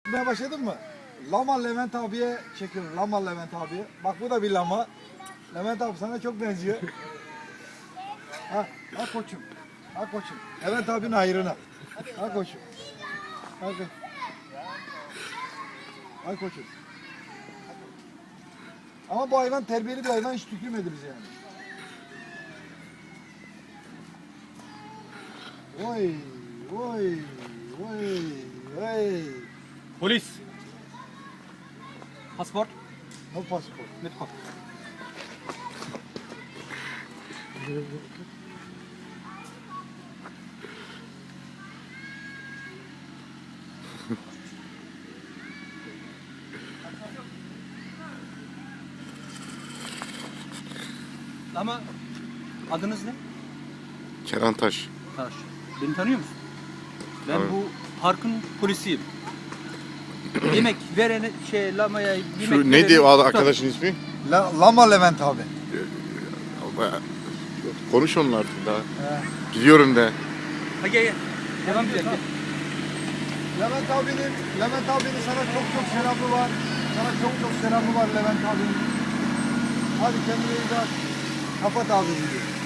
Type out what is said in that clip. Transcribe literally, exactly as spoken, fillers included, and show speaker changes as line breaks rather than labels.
Gitmeye başladın mı? Lama Levent abiye çekiyorum. Lama Levent abiye. Bak bu da bir lama. Levent abi sana çok benziyor. Ha, ha koçum. Ha koçum. Levent abinin hayrına. Ha koçum. Ha koçum. Ha koçum. Ama bu hayvan terbiyeli bir hayvan, hiç tükürmedi bize yani. Oy, oy, oy, oy.
Polis. Pasport.
No passport.
Mit Kopf. Ama adınız ne?
Kenan Taş.
Taş. Beni tanıyor musun? Ben
Evet.
bu parkın polisiyim. Yemek verene şey lamaya yemek
Şu neydi
verene-
o arkadaşın ismi?
La, Lama Levent abi.
Konuş onunla artık daha.
He.
Gidiyorum de.
Ha gel gel. Devam edelim. gel.
Levent abinin, Levent abinin sana çok çok selamı var. Sana çok çok selamı var Levent abinin. Hadi kendine iyi bak. Kapat abi.